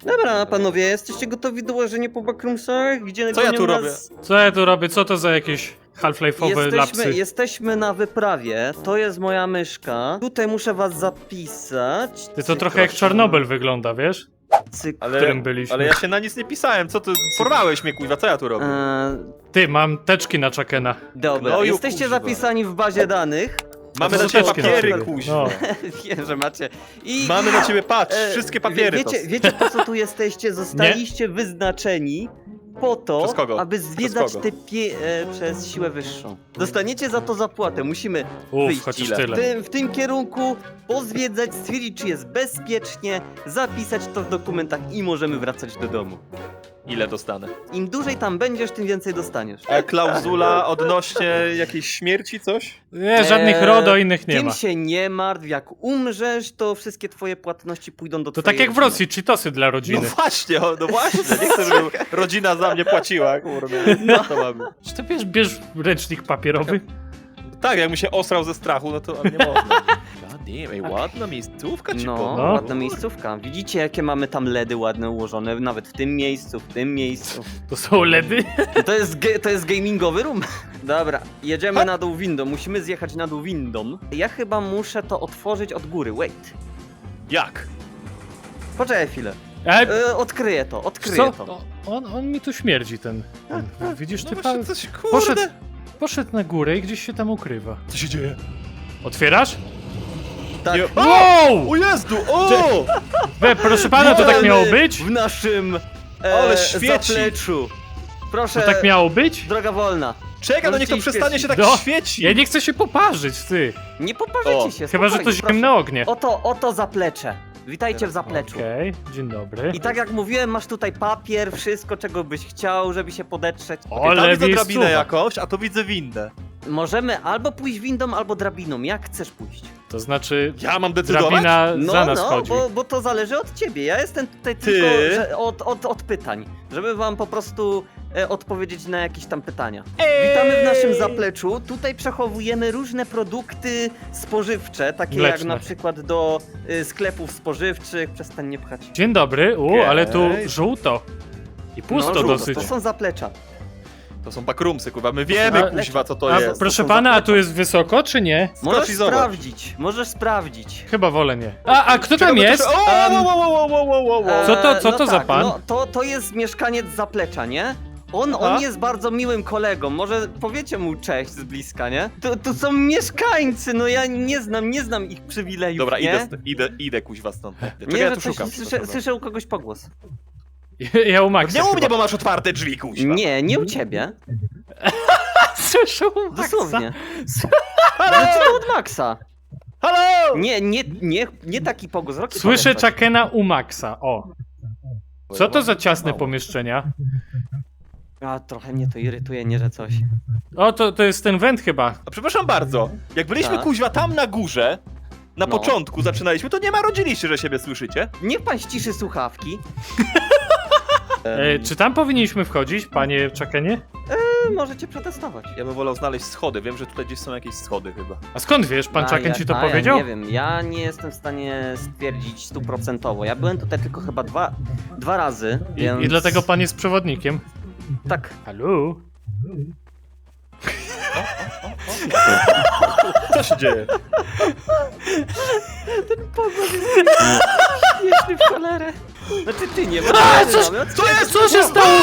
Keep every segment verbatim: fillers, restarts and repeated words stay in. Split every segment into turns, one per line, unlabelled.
Dobra, panowie, jesteście gotowi do łożenia po backroomsach? Gdzie
Co ja tu robię?
nas...
Co ja tu robię? Co to za jakieś half-life'owe
Jesteśmy,
lapsy?
jesteśmy na wyprawie, to jest moja myszka. Tutaj muszę was zapisać.
Ty to trochę jak Czarnobyl wygląda, wiesz?
Cyk.
Ale,
w którym byliśmy.
ale ja się na nic nie pisałem, co ty? Porwałeś mnie, kuźwa, co ja tu robię?
Eee,
Ty, mam teczki na Chakena.
dobra,
Gnoju,
jesteście
kuźwa.
zapisani w bazie danych.
Mamy
to
na ciebie
teczki na
papiery,
przykład.
kuźwa.
No.
Wiem, że macie. I
Mamy na ciebie, patrz,
e,
wszystkie papiery
wie,
to.
wiecie, wiecie po co tu jesteście? Zostaliście wyznaczeni po to,
Przez kogo?
aby zwiedzać
kogo?
te pie... E, przez siłę wyższą. Dostaniecie za to zapłatę. Musimy
Uff,
wyjść
chociaż
ile?
w
tyle.
tym, w tym kierunku, pozwiedzać, stwierdzić, czy jest bezpiecznie, zapisać to w dokumentach i możemy wracać do domu.
Ile dostanę?
Im dłużej tam będziesz, tym więcej dostaniesz.
A klauzula odnośnie jakiejś śmierci, coś?
Nie, żadnych
Eee,
RODO innych nie
Tym
ma.
się nie martw, jak umrzesz, to wszystkie twoje płatności pójdą do
To
twojej
tak jak w
rodziny.
Rosji, cheatosy dla
No
rodziny.
właśnie, o, no właśnie, nie chcę, żeby rodzina za mnie płaciła, kurde. No to mamy.
Czy ty bierz, bierz ręcznik papierowy?
Tak, jak mi się osrał ze strachu, no to nie można. God damn, ej, ładna miejscówka ci
No,
powiem.
No.
ładna miejscówka. Widzicie, jakie mamy tam ledy ładne ułożone, nawet w tym miejscu, w tym miejscu.
To są ledy?
To jest, ge- to jest gamingowy room. Dobra, jedziemy na dół windą, musimy zjechać na dół windą. Ja chyba muszę to otworzyć od góry, wait.
Jak?
Poczekaj chwilę.
E,
E, odkryję to, odkryję
co?
to.
O, On, on mi tu śmierdzi, ten. ten. Widzisz,
No
ty
właśnie,
pa...
coś, kurde.
poszedł, poszedł na górę i gdzieś się tam ukrywa.
Co się dzieje?
Otwierasz?
Tak.
Nie...
Wow!
O Jezu, o!
We, proszę pana, to tak
Witamy
miało być?
W naszym e,
Ale świeci.
zapleczu. Proszę,
To tak miało być?
droga wolna.
Czekaj, no niech to
Możecie
przestanie
iść
się tak
No,
świecić.
Ja nie chcę się poparzyć, ty.
Nie poparzycie
O,
się,
Chyba, że to
spokojnie, proszę.
zimne ognie.
Oto, oto zaplecze. Witajcie w zapleczu.
Okej, dzień dobry.
I tak jak mówiłem, masz tutaj papier, wszystko czego byś chciał, żeby się podetrzeć.
O,
Tam
ale
widzę drabinę
miejscowa.
jakąś, a tu widzę windę.
Możemy albo pójść windą, albo drabiną. Jak chcesz pójść?
To znaczy,
Ja mam decydować?
drabina
No,
za nas
no,
chodzi.
bo, bo to zależy od ciebie. Ja jestem tutaj
Ty?
tylko że od, od, od pytań, żeby wam po prostu e, odpowiedzieć na jakieś tam pytania.
Ej!
Witamy w naszym zapleczu. Tutaj przechowujemy różne produkty spożywcze, takie jak
Mleczne.
na przykład do y, sklepów spożywczych. Przestań nie pchać.
Dzień dobry, u,
Okej.
ale tu żółto. I pusto
no, żółto,
dosyć.
To są zaplecza.
To są backroomsy, kurwa, my wiemy,
A-
kuźwa, co to
A
jest.
proszę
są
pana, a
zaplecza.
tu jest wysoko, czy nie?
Możesz
i zobacz.
sprawdzić, możesz sprawdzić.
Chyba wolę nie. A, a kto
Czekaj,
tam
bo to
jest?
się- O,
Em,
wo, wo, wo, wo, wo, wo, wo.
Co to-
Eee,
co
no
to za
tak,
pan?
No, to, to jest mieszkaniec zaplecza, nie? On,
Aha.
on jest bardzo miłym kolegą, może powiecie mu cześć z bliska, nie? To, to są mieszkańcy, no ja nie znam, nie znam ich przywilejów,
Dobra,
nie?
idę, st- idę, idę, kuźwa, stąd. Czekaj,
Nie,
ja
że
tu
coś,
szukam.
słyszę, słyszę u kogoś pogłos.
Ja u Maxa
Nie u mnie,
chyba.
bo masz otwarte drzwi, kuźwa.
Nie, nie u ciebie.
Słyszę u Maxa.
Dosłownie.
Halo!
Ale to od Maxa.
Halo!
Nie, nie, nie, nie taki pogłos. Rocky,
Słyszę
powiedz coś.
Chakena u Maxa, o. Co to za ciasne pomieszczenia?
A, trochę mnie to irytuje, nie, że coś.
O, to, to jest ten węd chyba.
A przepraszam bardzo, jak byliśmy,
Tak.
kuźwa, tam na górze, na
No.
początku zaczynaliśmy, to nie marudziliście, że siebie słyszycie.
Niech pan ściszy słuchawki.
E, czy tam powinniśmy wchodzić, panie Chakenie?
E, możecie przetestować.
Ja bym wolał znaleźć schody, wiem, że tutaj gdzieś są jakieś schody chyba.
A skąd wiesz, pan
A,
Chaken
ja-
ci to
a,
powiedział?
Ja nie wiem, ja nie jestem w stanie stwierdzić stuprocentowo. Ja byłem tutaj tylko chyba dwa, dwa razy,
I,
więc...
I dlatego pan jest przewodnikiem.
Tak.
Halo?
Co się dzieje?
Śmieszny w cholerę. Znaczy ty nie, bo
A,
ty
coś-
mamy-
Co jest? Co się stało?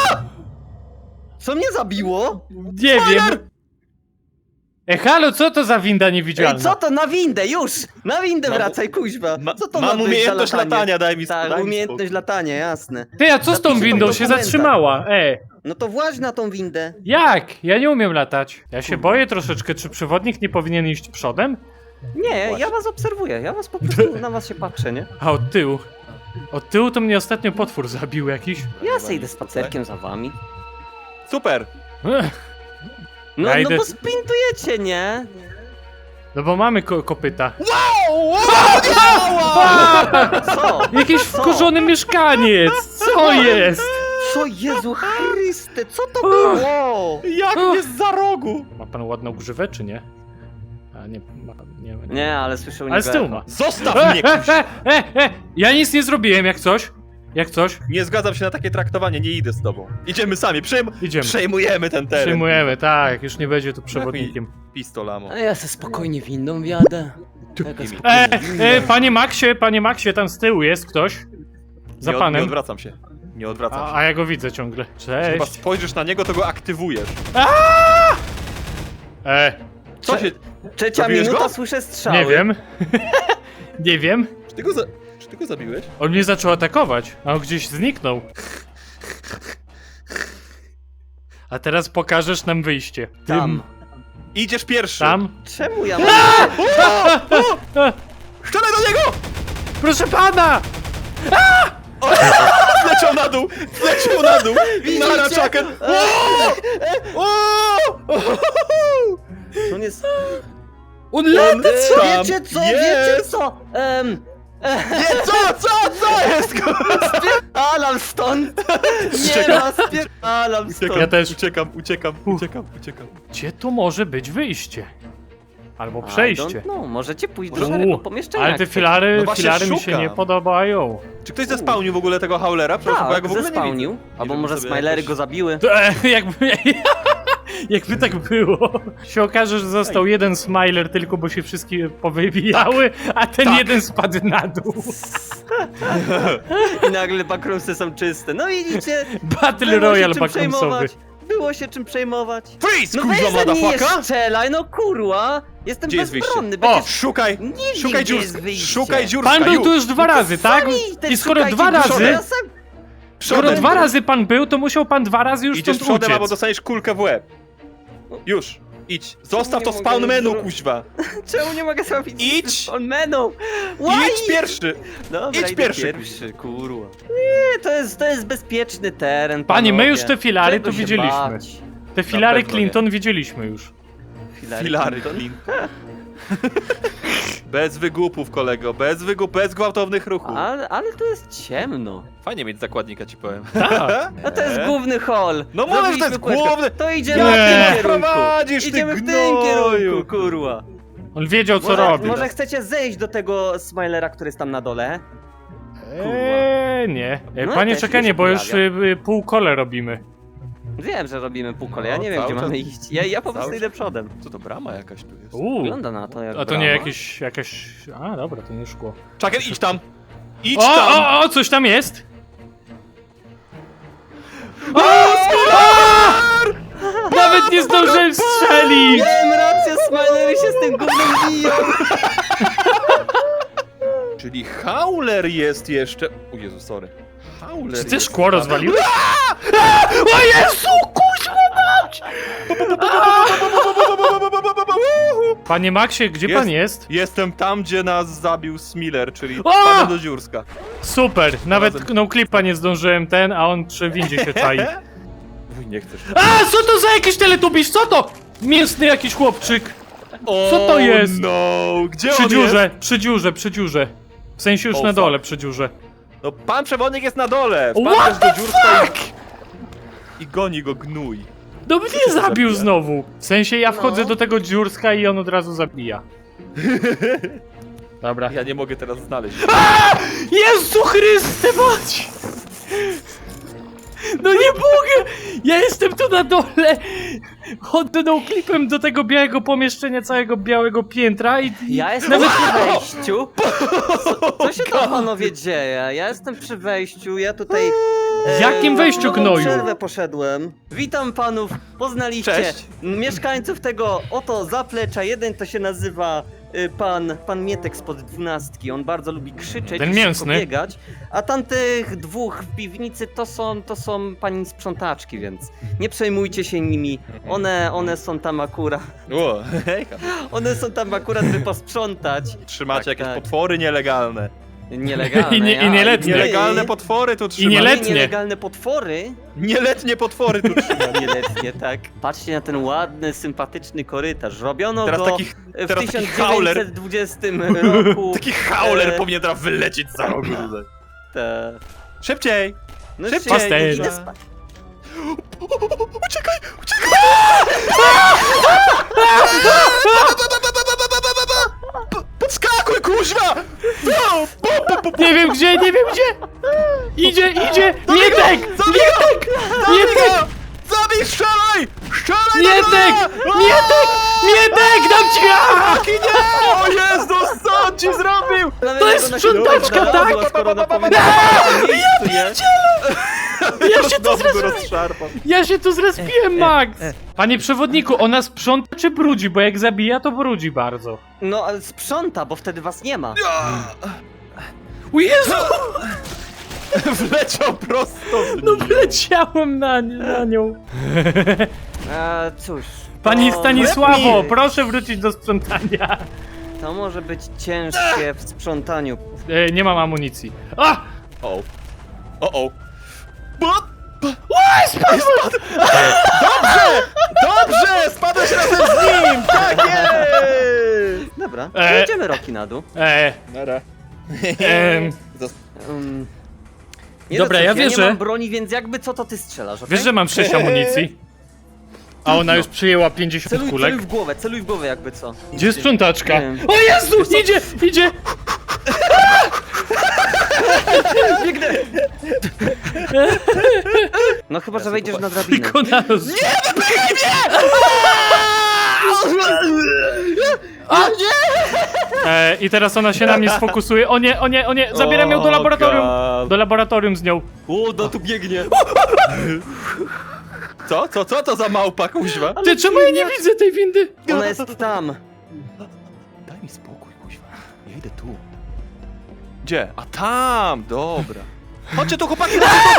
Co mnie zabiło?
Nie wiem. E, halo, co to za winda
Ej,
niewidzialna?
co to na windę, już! Na windę
Mam-
wracaj, kuźwa.
Ma,
Co to ma
mam
być za
umiejętność
latanie?
latania, daj mi
Tak,
daj mi
umiejętność
spokój.
latania, jasne.
Ty, a co z tą
Zapiszę to w
windą? Się
dokumentach.
zatrzymała. E,
No to właź na tą windę.
jak? Ja nie umiem latać. Ja się boję troszeczkę, czy przewodnik nie powinien iść przodem?
Nie,
Właśnie.
ja was obserwuję, ja was po prostu na was się patrzę, nie?
A od tyłu? Od tyłu to mnie ostatnio potwór zabił jakiś.
Ja se idę spacerkiem za wami.
Super!
Ech,
No,
Ja
no
idę-
bo sprintujecie, nie?
no bo mamy ko kopyta.
Wow! wow,
Co?
Jakiś
Co?
wkurzony mieszkaniec! Co jest?
Co, Jezu Chryste, co to było?
Jak mnie z za rogu!
Ma pan ładną grzywę, czy nie? A nie, ma, nie, nie.
Nie, ale słyszę u
Ale z
niego
tyłu
echo.
ma.
Zostaw
E,
mnie,
e,
kuźwa!
e, e, e. Ja nic nie zrobiłem, jak coś. Jak coś?
Nie zgadzam się na takie traktowanie, nie idę z tobą. Idziemy sami, przejm
Idziemy.
przejmujemy ten teren.
Przyjmujemy, tak, już nie będzie tu przewodnikiem.
Pistolamo.
A ja se spokojnie windą wjadę. Taka
Imię.
spokojna
E,
winda.
e, panie Maxie, panie Maxie, tam z tyłu jest ktoś. Za
nie, od, nie
panem.
odwracam się. Nie odwracam
A,
się.
a ja go widzę ciągle.
Chyba
Cześć.
spojrzysz na niego, to go aktywujesz.
E,
Co się...
Trzecia
Zabiłeś
minuta,
go?
słyszę strzały.
nie wiem. Nie wiem.
Czy ty go, za... Czy ty go zabiłeś?
On mnie zaczął atakować, a on gdzieś zniknął. A teraz pokażesz nam wyjście.
Tam.
Idziesz pierwszy.
Tam.
Czemu ja mam...
E,
Strzelaj do niego!
proszę pana!
Zleciał na dół! Zleciał na dół! Na raczakę!
On jest...
On
E,
lata!
wiecie co, wiecie
jest.
co? Em...
Nie, co, co, co jest?
Spierdalam stąd! Nie
Uciekam.
ma, spierdalam stąd!
Uciekam,
Ja też.
Uciekam, uciekam, uciekam, uciekam.
Gdzie tu może być wyjście? Albo
I
przejście.
don't know, możecie pójść do
Uuu,
szarego pomieszczenia.
ale
jak
te
chcecie.
filary,
No właśnie
filary mi się
szukam.
nie podobają.
Czy ktoś zespałnił w ogóle tego Haulera? Przepraszam, bo ja
Tak,
go w ogóle nie
zespałnił.
widzę.
Albo
żebym
może
sobie
Smilery
jakoś-
go zabiły.
To, e, jakby, jakby tak było. Się okaże, że został jeden smiler tylko, bo się wszystkie powybijały, a ten
Tak.
jeden spadł na dół.
I nagle backroomsy są czyste. No widzicie,
Battle
było się
Royale
czym
backroomsowy.
przejmować. Było się czym przejmować.
Freeze,
No
kurwa,
weź ze mnie nie
motherfucker!
strzelaj, no kurwa! Jestem
Gdzie jest
bezbronny,
wyjście?
będziesz...
Szukaj,
Nie wiem,
szukaj
gdzie jest
dziurska,
wyjście.
szukaj dziurska,
Pan był tu już dwa razy, tak?
Sami te
I skoro
szukajcie
dwa
dużo,
razy,
ja sam-
skoro
Przodem.
dwa razy pan był, to musiał pan dwa razy już
Idziesz
stąd
przodem, albo
uciec.
dostaniesz kulkę w łeb. Już, idź. Zostaw
Nie
to
mogę
spawn menu,
zro-
kuźwa.
Czemu nie mogę zrobić
Idź.
on menu? Why?
Idź pierwszy.
Dobra,
idź
idę
pierwszy.
pierwszy, kurwa. Nie, to jest, to jest bezpieczny teren,
Panie, my
panowie.
już te filary
Czego
tu
się
widzieliśmy.
bać?
Te filary
pewno nie.
Clinton widzieliśmy już.
Filary,
Filary,
Clinton?
Clinton. Bez wygłupów, kolego, bez wygłup, bez gwałtownych ruchów.
Ale, ale tu jest ciemno.
Fajnie mieć zakładnika, ci powiem.
Tak.
No to jest główny hall.
No mówię, że to
Zrobiliśmy
jest
kółeczko.
główny-
To idziemy
Nie.
w tym kierunku.
Prowadzisz, ty
Idziemy w tym
gnoju.
kierunku, kurwa.
On wiedział, co
Może,
robi.
może chcecie zejść do tego Smilera, który jest tam na dole?
Eee, nie. E,
No,
Panie,
też mi
czekanie,
się
bo już
pojawia.
y, y, pół kole robimy.
Wiem, że robimy półkole, ja
No,
nie wiem,
cały
gdzie
czas-
mamy iść. Ja, ja po prostu
cały
idę przodem.
Co to, brama jakaś tu jest?
Uuu.
Wygląda na to jak
A to nie
brama.
jakieś, jakaś... A, dobra, to nie szkło.
Czaker, idź tam! Idź
O,
tam!
o, o, coś tam jest! O, nawet nie zdążyłem strzelić!
Miałem rację, Smilery się z tym gównem biją.
Czyli Hauler jest jeszcze... O Jezu, sorry. Hauler
Czy ty
jest...
szkło rozwaliłeś? O Jezu, kuźwa mać! Panie Maxie, gdzie
Jest.
pan jest?
Jestem tam, gdzie nas zabił Smiller, czyli
O!
spadłem do dziurska.
Super, nawet
Razem.
no clipa nie zdążyłem ten, a on przy windzie się czai.
Wuj, nie chcesz.
A, co to za jakiś teletubisz? Co to? Mięsny jakiś chłopczyk. Co to jest?
No, gdzie
Przy
on
dziurze,
jest?
przy dziurze, przy dziurze. W sensie już
Oh,
na
fuck.
dole, przy dziurze.
No, pan przewodnik jest na dole.
What
Wpadłeś
the
do dziurska
fuck?
i... I goni go gnój.
No mnie
się
zabił
zabija?
znowu. W sensie ja wchodzę
No.
do tego dziurska i on od razu zabija. Dobra.
Ja nie mogę teraz znaleźć.
Jezu Chryste, mać! No nie mogę! Ja jestem tu na dole! Oddał klipem do tego białego pomieszczenia, całego białego piętra i...
Ja jestem
Nawet-
przy wejściu. Co, co się tam panowie dzieje? Ja jestem przy wejściu, ja tutaj...
W jakim wejściu,
na nową
gnoju?
przerwę poszedłem. Witam panów, poznaliście
Cześć.
mieszkańców tego oto zaplecza. Jeden to się nazywa y, pan, pan Mietek spod dwunastki. On bardzo lubi krzyczeć
Ten
i szybko
mięsny.
biegać. A tamtych dwóch w piwnicy to są, to są pani sprzątaczki, więc nie przejmujcie się nimi. One, one są tam akurat,
O, hejka.
one są tam akurat, by posprzątać.
Trzymacie
Tak,
jakieś
tak.
potwory nielegalne.
Nielegalne.
I nie- i
ja-
nieletnie.
Nielegalne potwory tu trzymacie.
nieletnie.
Nielegalne potwory.
Nieletnie potwory tu trzymacie.
Nieletnie, tak. Patrzcie na ten ładny, sympatyczny korytarz. Robiono
Teraz
go
taki,
w
teraz taki
tysiąc
hauler.
dziewięćset dwudziestym roku.
Taki hauler
E,
powinien teraz wylecieć za rogu tutaj.
te...
Szybciej!
No
Szybciej,
szybciej,
kurwa.
idę spać.
Uciekaj! Uciekaj! Podskacz! Skakuj, kuźwa! No, pu, pu, pu, pu.
Nie wiem gdzie, nie wiem gdzie! Idzie, idzie! Mietek!
Zabij
Mietek!
Zabij
Mietek!
go! Zabij, strzelaj! Strzelaj!
Mietek!
dobra!
Mietek! Mietek! Dam ci! A!
Taki nie! O Jezus, co on ci zrobił?
To jest sprzątaczka, tak?
Skoro ona powiedziała, że miejscu, nie?
Ja się tu
Znowu go
zrespiłem!
rozszarpał.
Ja się tu zrespiłem, Max! Panie przewodniku, ona sprząta czy brudzi? Bo jak zabija, to brudzi bardzo.
No, ale sprząta, bo wtedy was nie ma.
O Jezu!
Wleciał prosto w
No
nim.
wleciałem na, na nią.
E, cóż.
Pani
to-
Stanisławo,
lepiej.
proszę wrócić do sprzątania.
To może być ciężkie w sprzątaniu.
E, nie mam amunicji. A!
O, o, o. Bo...
Oj, spadłem!
Dobrze! Dobrze! Spadłeś razem z nim! Tak jest!
Dobra,
E.
jedziemy Roki na dół.
E,
Nara.
em,
Um,
Dobra,
no
ja
cóż, ja
wierzę.
nie mam broni, więc jakby co to ty strzelasz, okej?
wiesz, że mam sześć amunicji? A ona już przyjęła pięćdziesiąt
Celuj,
kulek.
celuj w głowę, celuj w głowę jakby co.
Gdzie jest sprzątaczka?
Nie wiem.
O Jezu! Idzie! Idzie!
Biegnę! No chyba, że wejdziesz na drabinę.
Wykonano z... Nie!
A nie!
E, I teraz ona się na mnie sfokusuje. O nie, o nie, o nie! Zabieram ją do
O,
laboratorium!
God.
Do laboratorium z nią.
O, no tu biegnie.
Co? Co? Co to za małpa, kuźwa?
Ty, czemu ja nie widzę tej windy?
Ona jest tam.
Daj mi spokój, kuźwa. Ja idę tu. Gdzie? A tam! Dobra. Chodźcie tu, chłopaki!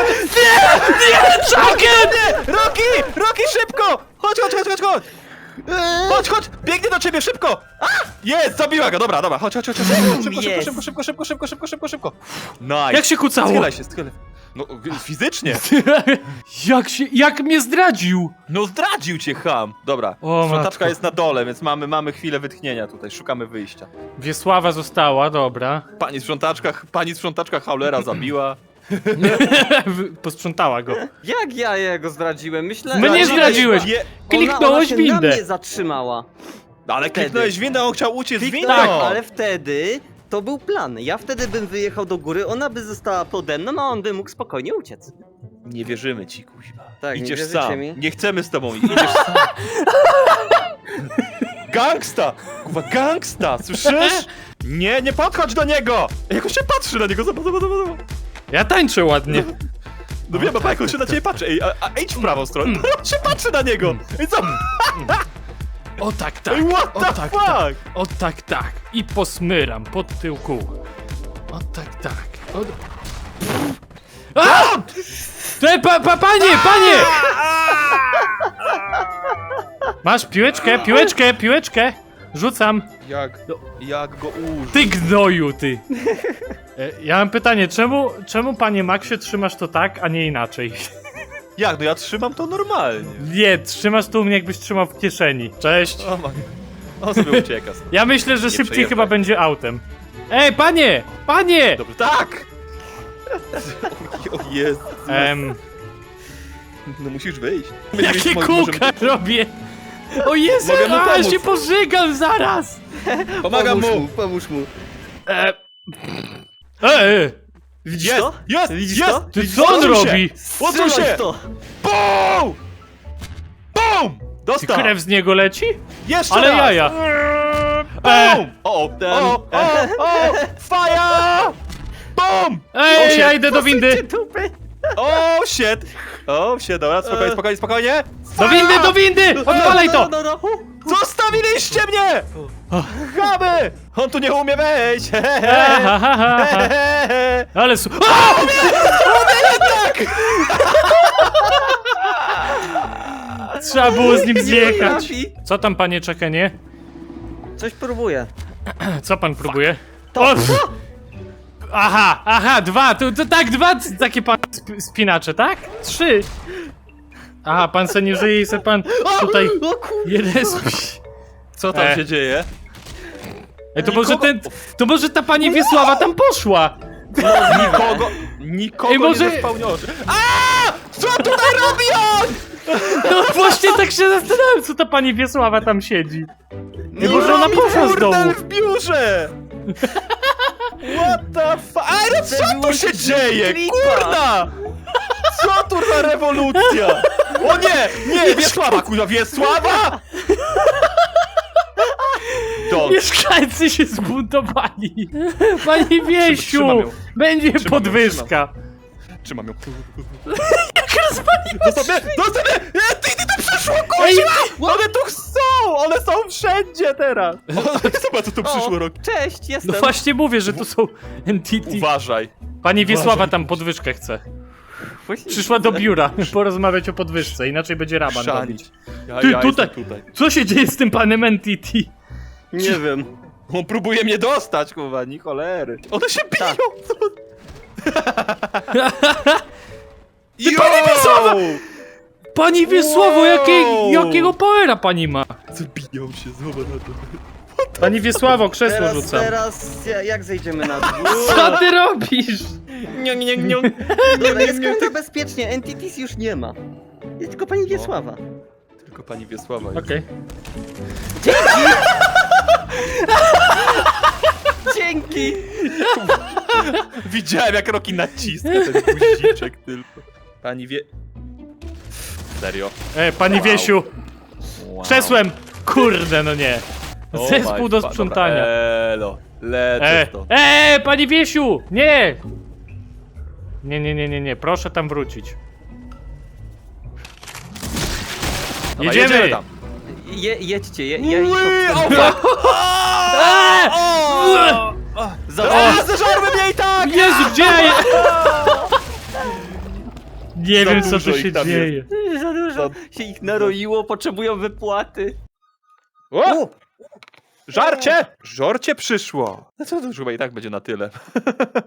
Chucken!
Roki! Roki, szybko! Chodź, chodź, chodź, chodź, chodź! Chodź, chodź! Biegnie do ciebie, szybko! A! Jest! Zabiła go! Dobra, dobra, chodź, chodź, chodź, chodź. Szybko, szybko,
Jest.
szybko, szybko, szybko, szybko, szybko, szybko, szybko. Nice.
Jak się kucało?
Schylaj się, schylaj. No, fizycznie.
Jak się, jak mnie zdradził?
No zdradził cię, ham. Dobra,
O,
sprzątaczka
matko.
jest na dole, więc mamy, mamy chwilę wytchnienia tutaj, szukamy wyjścia.
Wiesława została, dobra.
Pani sprzątaczka, pani sprzątaczka Haulera zabiła.
Posprzątała go.
Jak ja jego zdradziłem? Myślę...
Mnie nie zdradziłeś.
Je...
Kliknąłeś
ona, ona się
windę.
na mnie zatrzymała.
Ale
Wtedy.
kliknąłeś windę, on chciał uciec z windą.
Tak, ale wtedy to był plan. Ja wtedy bym wyjechał do góry, ona by została pode mną, a on by mógł spokojnie uciec.
Nie wierzymy ci, kuźwa.
Tak, nie
Idziesz
wierzycie
sam.
mi?
Nie chcemy z tobą, idziesz sam. Gangsta! Kuwa, gangsta, słyszysz? Nie, nie podchodź do niego! Jak on się patrzy na niego, zobacz, zobacz, zobacz. zobacz.
Ja tańczę ładnie.
No wiem, a jak on się na ciebie patrzy. Ej, a, a idź w prawą stronę. On się patrzy na niego! Ej, co?
O tak, tak.
Ej, what
O
the
tak,
fuck?
tak. O tak, tak. I posmyram pod tyłku. O tak, tak. O... A! Te, pa, pa, panie, panie! Masz piłeczkę, piłeczkę, piłeczkę. Rzucam.
Jak, jak go użyć?
Ty gnoju, ty. E, Ja mam pytanie, czemu, czemu panie Maxie trzymasz to tak, a nie inaczej?
Jak, no ja trzymam to normalnie.
Nie, trzymasz tu mnie jakbyś trzymał w kieszeni. Cześć.
O, ma... On sobie ucieka.
Ja myślę, że
Nie
szybciej
przejeżdżaj.
chyba będzie autem. Ej, panie! Panie!
Dobrze, tak! O jest.
Em,
No musisz wyjść.
jakie kółka robię? O Jezu,
Mogę mu
a
pomóc.
się pożygam zaraz!
Pomagam
pomóż
mu!
Pomóż mu.
E, e,
Widzisz
Jest!
to?
Jest!
Widzisz
jest!
to?
ty co on
Odsuń się!
robi?
Odsuń
Strzelaj
się!
w to!
BOOM! BOOM!
Ty
Dostał!
krew z niego leci?
Jeszcze
Ale
raz!
jaja.
BOOM! O, o,
Ten-
o, o, o! Fire! BOOM!
Ej,
shit.
ja idę do windy!
Dupy.
O, shit! O, shit, dobra, spokojnie,
E.
spokojnie, spokojnie!
Do windy, do windy! Odpalaj to!
No, no, no.
Zostawiliście mnie! Chamy! On tu nie umie wejść!
Ha, ha, ha, ha. Ale su... A! Trzeba było z nim zjechać.
trafi.
Co tam, panie Czekenie?
Coś próbuję.
Co pan próbuje?
To,
O!
co?
Aha, aha, dwa, to, to tak, dwa c- takie pan sp spinacze, tak? Trzy. Aha, pan se nie żyje i se pan tutaj
O kur...
jeden...
Co tam
E.
się dzieje?
Ej, to może ten, to może ta pani Wiesława tam poszła.
Nikogo, nikogo
Ej, może-
nie zespełniło. A! Co tutaj robi on?
No właśnie tak się zastanawiam, co ta pani Wiesława tam siedzi. Nie, może ona poszła z domu.
Burdel w biurze! What the fuck? Ale co tu się dzieje? Kurna! Co tu za rewolucja? O nie! Nie! Wiesława, kurwa, Wiesława! Don't.
Mieszkańcy się zbuntowali. Panie Wiesiu,
trzymam ją.
będzie
Trzymam ją,
podwyżka.
Trzymam ją.
Jak rozpalił?
Zostaw mnie! Zostaw mnie! E, Ty, ty tu przyszło,
Ej,
kurwa! One tu są! One są wszędzie teraz! Zobacz, co tu przyszło,
O,
rok.
cześć, jestem.
No właśnie mówię, że to są entity.
Uważaj.
Pani Wiesława
Uważaj.
tam podwyżkę chce.
Właśnie
Przyszła do
widzę.
biura porozmawiać o podwyżce, inaczej będzie raban
Chrzanić.
robić.
Ja,
Ty,
ja
tutaj.
jestem tutaj.
Co się dzieje z tym panem entity?
Nie wiem.
On próbuje mnie dostać, kurwa, ni cholery. One się biją!
Tak.
Ty,
pani Wiesława! Pani Wiesławo,
Wow!
jakiej, jakiego powera pani ma?
Zabiją się, zobacz na to.
Pani Wiesławo, krzesło
Teraz,
rzucam.
teraz, ja- jak zejdziemy na dół?
Co ty robisz?
Nie, nie, nie.
Dobra, jest końca bezpiecznie, Entities już nie ma. Jest tylko pani Wiesława.
Tylko pani Wiesława jest.
Okej.
Dzięki!
Widziałem, jak Roki naciska ten guziczek tylko. Pani wie... Serio?
E, pani
Wow.
Wiesiu,
Wow.
krzesłem! Kurde, no nie.
Oh
Zespół
my
do
fa-
sprzątania.
Dobra, elo, lecę
E,
to.
e, pani Wiesiu! Nie! Nie, nie, nie, nie, nie, proszę tam wrócić.
Dobra,
Jedziemy!
tam.
Je, jedźcie, je, ja ich
Ui, o,
obserwuję.
fuck.
Eee!
O!
Za-
A, zeżarły mnie i tak!
Jezu, gdzie ja je... Nie
Za
wiem, co
dużo
tu
ich
się
tam
dzieje.
Za dużo się ich naroiło, potrzebują wypłaty.
O! Żarcie! Żorcie przyszło! No co to już chyba i tak będzie na tyle.